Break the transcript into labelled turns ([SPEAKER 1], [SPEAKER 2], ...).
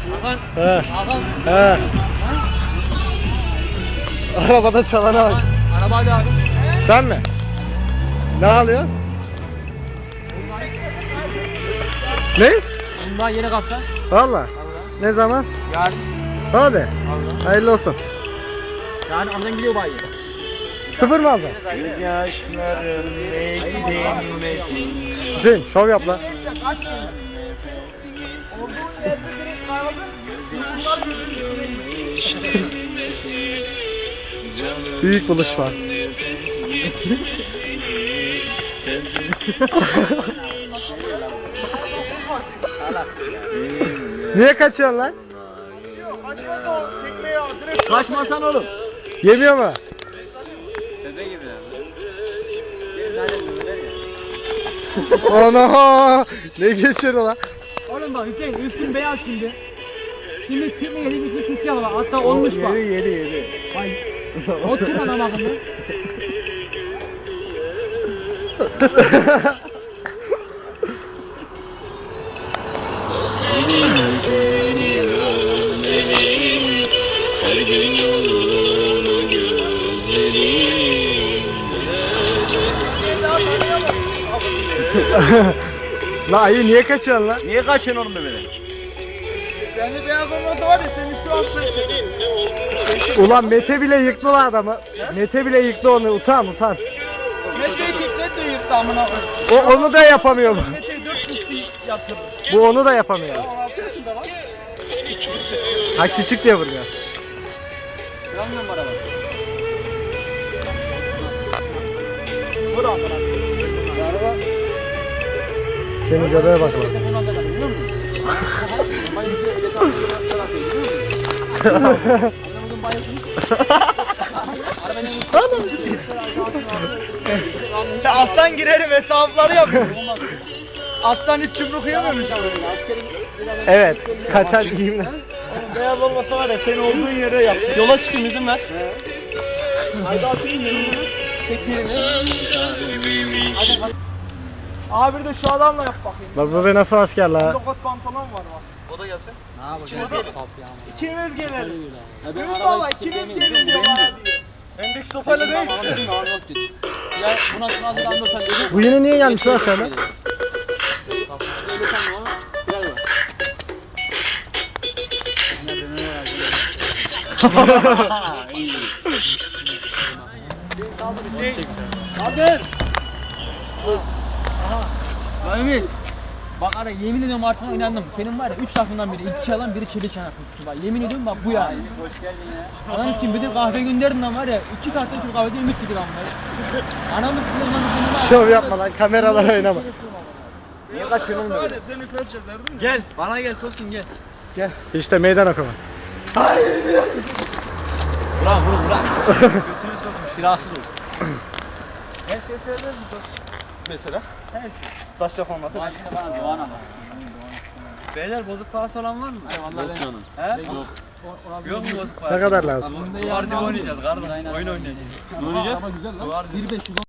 [SPEAKER 1] Hakan.
[SPEAKER 2] He.
[SPEAKER 1] Hakan.
[SPEAKER 2] He. Arabada çalana bak.
[SPEAKER 1] Araba hadi abi.
[SPEAKER 2] Sen mi? Ne alıyorsun? Ne?
[SPEAKER 1] Bundan yeni kalsa.
[SPEAKER 2] Valla. Ne zaman?
[SPEAKER 1] Yarın.
[SPEAKER 2] Hadi.
[SPEAKER 1] Allah.
[SPEAKER 2] Hayırlı olsun.
[SPEAKER 1] Yani oradan gidiyor bayi.
[SPEAKER 2] Sıfır mı aldın?
[SPEAKER 1] Yaşların
[SPEAKER 2] Şşş, Hüseyin şov yap lan. Büyük buluşma. Niye kaçıyorsun lan?
[SPEAKER 1] Kaçmasan oğlum.
[SPEAKER 2] Yemiyor mu?
[SPEAKER 1] Bebe gibi
[SPEAKER 2] Ana! Ne geçiyor lan?
[SPEAKER 1] Oğlum bak Hüseyin üstün beyaz şimdi. Şimdi tüm yediğimiz üstün siyah var. Hatta olmuş bak.
[SPEAKER 2] Yedi.
[SPEAKER 1] Vay. Otur ana bakın be.
[SPEAKER 3] Her gün yolunu gözlerim.
[SPEAKER 2] La ayı niye kaçıyorsun lan?
[SPEAKER 1] Niye kaçıyorsun oğlum bebeden?
[SPEAKER 4] Bende beyaz olmasa var ya seni şu an sen çekerim.
[SPEAKER 2] Ulan Mete bile yıktı lan adamı. Mete bile yıktı onu. Utan.
[SPEAKER 4] Mete'yi teklet de yırttı amına koyayım.
[SPEAKER 2] O onu da yapamıyor bu.
[SPEAKER 4] Mete'yi 4 kişi yatırdı.
[SPEAKER 2] Bu onu da yapamıyor.
[SPEAKER 4] Ya 16 yaşında lan.
[SPEAKER 2] Ha küçük diye vuruyor.
[SPEAKER 1] Yanmıyor mu araba?
[SPEAKER 4] Vur amına koyayım.
[SPEAKER 1] Araba.
[SPEAKER 2] Senin göbeğe bak lan.
[SPEAKER 1] Telefonu alacak biliyor musun? Babayı bir de tarafı biliyor musun? Anamızın bayısını.
[SPEAKER 4] Ya alttan girerim hesapları yapıyorum. Alttan hiç yumruk yemiyormuş ama.
[SPEAKER 2] Evet. Kaçar giyimle.
[SPEAKER 4] Oğlum beyaz olmasa var ya seni olduğun yere yap. Yola çıkayım izin ver.
[SPEAKER 1] Haydi atayım
[SPEAKER 4] Abi bir de şu adamla yap bakayım.
[SPEAKER 2] Bak bu be nasıl asker la.
[SPEAKER 4] Lokot pantolon var bak. O da gelsin.
[SPEAKER 1] Ne yapacağız?
[SPEAKER 4] İkimiz gelelim. İkimiz gelelim.
[SPEAKER 1] Ya
[SPEAKER 4] Ümit baba ikimiz gelin diyor bana diyor. Endeks toparla değil.
[SPEAKER 1] Ya buna şuna bir anlıyorsan dedim.
[SPEAKER 2] Bu yine niye gelmiş lan sana?
[SPEAKER 1] Kaldır. Aha. Ümit. Bak ara yemin ediyorum artık inandım. Senin var ya 3 lafından biri 2 alan biri çelik çanak tuttu bak. Yemin ediyorum bak bu ya. Hoş geldin ya. Adam kim bilir kahve gönderdin lan var ya 2 saatte Türk kahvede Ümit gidiyor lan var. Anamı sınırlandı.
[SPEAKER 2] Şov yapma lan, kameralara oynama.
[SPEAKER 4] Niye kaçıyorsun oğlum? Seni felç ederdim.
[SPEAKER 1] Gel bana gel Tosun gel.
[SPEAKER 2] Gel. İşte meydan okuma.
[SPEAKER 1] Bırak vur bırak. Götünü sokmuş silahsız ol.
[SPEAKER 4] Her şey söyleriz mi Tosun? Mesela?
[SPEAKER 1] Her şey.
[SPEAKER 4] Taş yapılması.
[SPEAKER 1] Başına bana Doğan ama.
[SPEAKER 4] Beyler bozuk parası olan var mı?
[SPEAKER 1] Ay vallahi ben.
[SPEAKER 4] He?
[SPEAKER 1] Yok.
[SPEAKER 4] Yok mu bozuk
[SPEAKER 2] Ne kadar lazım?
[SPEAKER 4] Duvar dibi oynayacağız kardeş. Oyun oynayacağız.
[SPEAKER 1] Ne oynayacağız? Ama güzel lan. 1.500